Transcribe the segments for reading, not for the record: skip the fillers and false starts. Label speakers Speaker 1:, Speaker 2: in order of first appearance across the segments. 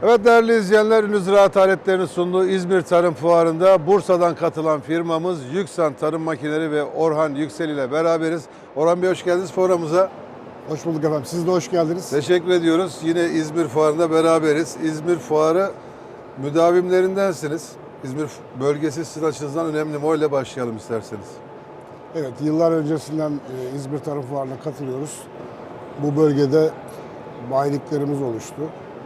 Speaker 1: Evet değerli izleyenler, Ünlü Ziraat Aletlerinin sunduğu İzmir Tarım Fuarı'nda Bursa'dan katılan firmamız Yüksan Tarım Makineleri ve Orhan Yüksel ile beraberiz. Orhan Bey hoş geldiniz fuarımıza.
Speaker 2: Hoş bulduk efendim. Siz de hoş geldiniz.
Speaker 1: Teşekkür ediyoruz. Yine İzmir Fuarı'nda beraberiz. İzmir Fuarı müdavimlerindensiniz. İzmir bölgesi sizin açınızdan önemli mi? Öyle başlayalım isterseniz.
Speaker 2: Evet, yıllar öncesinden İzmir Tarım Fuarı'na katılıyoruz. Bu bölgede bayiliklerimiz oluştu.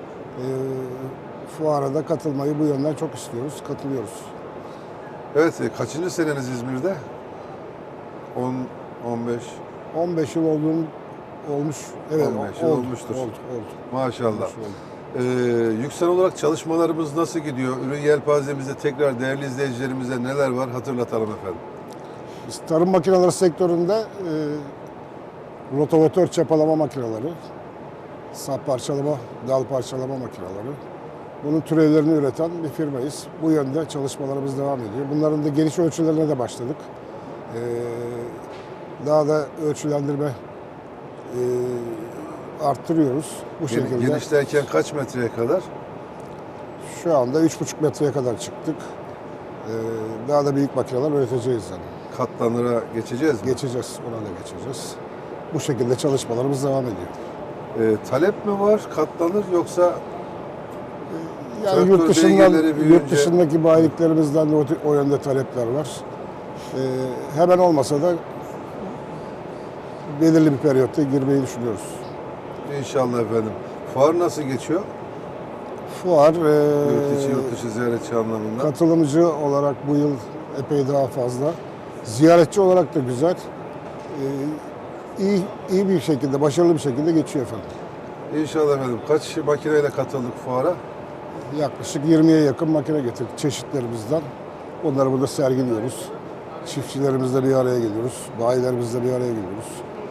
Speaker 2: Fuara da katılmayı bu yönden çok istiyoruz, katılıyoruz.
Speaker 1: Evet, kaçıncı seneniz İzmir'de? 15.
Speaker 2: 15 yıl olmuş. Evet,
Speaker 1: 15 yıl olmuştur.
Speaker 2: Oldu.
Speaker 1: Maşallah. Yüksel olarak çalışmalarımız nasıl gidiyor? Ürün yelpazemizde tekrar değerli izleyicilerimize neler var hatırlatalım efendim.
Speaker 2: Biz tarım makineleri sektöründe rotavatör çapalama makineleri, sap parçalama, dal parçalama makineleri, bunun türevlerini üreten bir firmayız. Bu yönde çalışmalarımız devam ediyor. Bunların da geniş ölçülerine de başladık. Daha da ölçülendirme arttırıyoruz. Bu şekilde.
Speaker 1: Geniş derken kaç metreye kadar?
Speaker 2: Şu anda 3,5 metreye kadar çıktık. Daha da büyük makineler üreteceğiz yani.
Speaker 1: Katlanıra geçeceğiz mi?
Speaker 2: Geçeceğiz, ona da geçeceğiz. Bu şekilde çalışmalarımız devam ediyor.
Speaker 1: Talep mi var katlanır yoksa
Speaker 2: Yani yurt dışındaki bayiliklerimizden de o yönde talepler var. Hemen olmasa da belirli bir periyotta girmeyi düşünüyoruz.
Speaker 1: İnşallah efendim. Fuar nasıl geçiyor?
Speaker 2: Fuar
Speaker 1: Yurt dışı ziyaretçi anlamında.
Speaker 2: katılımcı olarak bu yıl epey daha fazla. Ziyaretçi olarak da güzel. İyi bir şekilde, başarılı bir şekilde geçiyor efendim.
Speaker 1: İnşallah efendim. Kaç makineyle katıldık fuara?
Speaker 2: Yaklaşık 20'ye yakın makine getirdik çeşitlerimizden. Onları burada sergiliyoruz. Çiftçilerimizle bir araya geliyoruz. Bayilerimizle bir araya geliyoruz.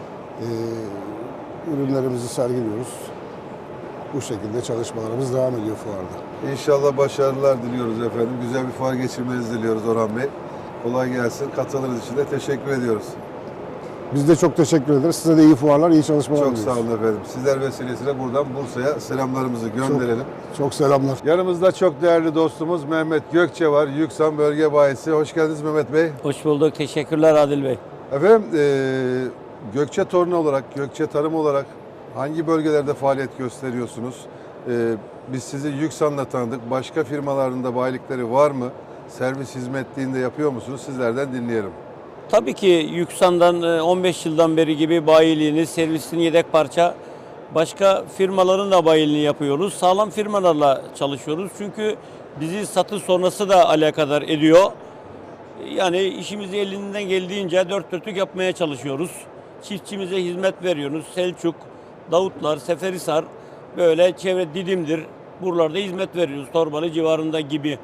Speaker 2: Ürünlerimizi sergiliyoruz. Bu şekilde çalışmalarımız devam ediyor fuarda.
Speaker 1: İnşallah başarılar diliyoruz efendim. Güzel bir fuar geçirmenizi diliyoruz Orhan Bey. Kolay gelsin. Katıldığınız için de teşekkür ediyoruz.
Speaker 2: Biz de çok teşekkür ederiz. Size de iyi fuarlar, iyi çalışmalar
Speaker 1: Çok
Speaker 2: diliyoruz.
Speaker 1: sağ olun efendim. Sizler vesilesiyle buradan Bursa'ya selamlarımızı gönderelim.
Speaker 2: Çok selamlar.
Speaker 1: Yanımızda çok değerli dostumuz Mehmet Gökçe var. Yüksan Bölge Bayisi. Hoş geldiniz Mehmet Bey.
Speaker 3: Hoş bulduk. Teşekkürler Adil Bey.
Speaker 1: Efendim Gökçe Torunu olarak, Gökçe Tarım olarak hangi bölgelerde faaliyet gösteriyorsunuz? Biz sizi Yüksan'la tanıdık. Başka firmaların da bayilikleri var mı? Servis hizmetliğinde yapıyor musunuz? Sizlerden dinleyelim.
Speaker 3: Tabii ki Yüksan'dan 15 yıldan beri gibi bayiliğini, servisini, yedek parça başka firmaların da bayiliğini yapıyoruz. Sağlam firmalarla çalışıyoruz. Çünkü bizi satış sonrası da alakadar ediyor. Yani işimizi elinden geldiğince dört dörtlük yapmaya çalışıyoruz. Çiftçimize hizmet veriyoruz. Selçuk, Davutlar, Seferihisar, böyle çevre Didim'dir. Buralarda hizmet veriyoruz. Torbalı civarında gibi.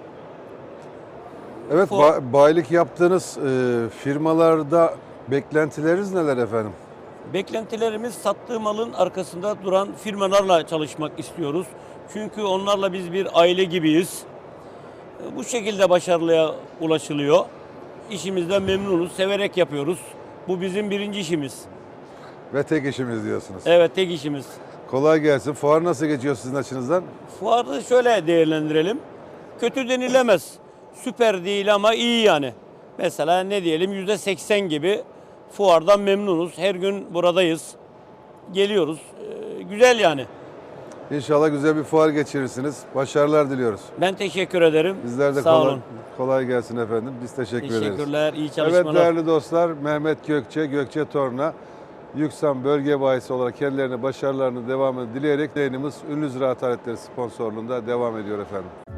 Speaker 1: Evet, bayilik yaptığınız firmalarda beklentileriniz neler efendim?
Speaker 3: Beklentilerimiz sattığı malın arkasında duran firmalarla çalışmak istiyoruz. Çünkü onlarla biz bir aile gibiyiz. Bu şekilde başarılıya ulaşılıyor. İşimizden memnunuz, severek yapıyoruz. Bu bizim birinci işimiz.
Speaker 1: Ve tek işimiz diyorsunuz.
Speaker 3: Evet, tek işimiz.
Speaker 1: Kolay gelsin. Fuar nasıl geçiyor sizin açınızdan?
Speaker 3: Fuarı şöyle değerlendirelim. Kötü denilemez. Süper değil ama iyi yani. Mesela ne diyelim %80 gibi fuardan memnunuz. Her gün buradayız. Geliyoruz. Güzel yani.
Speaker 1: İnşallah güzel bir fuar geçirirsiniz. Başarılar diliyoruz.
Speaker 3: Ben teşekkür ederim.
Speaker 1: Bizler de
Speaker 3: Sağ olun.
Speaker 1: kolay gelsin efendim. Biz teşekkür ederiz.
Speaker 3: Teşekkürler. İyi çalışmalar.
Speaker 1: Evet değerli dostlar, Mehmet Gökçe, Gökçe Torna, Yüksan Bölge Bayisi olarak kendilerine başarılarını devamını dileyerek yayınımız Ünlü Ziraat Aletleri sponsorluğunda devam ediyor efendim.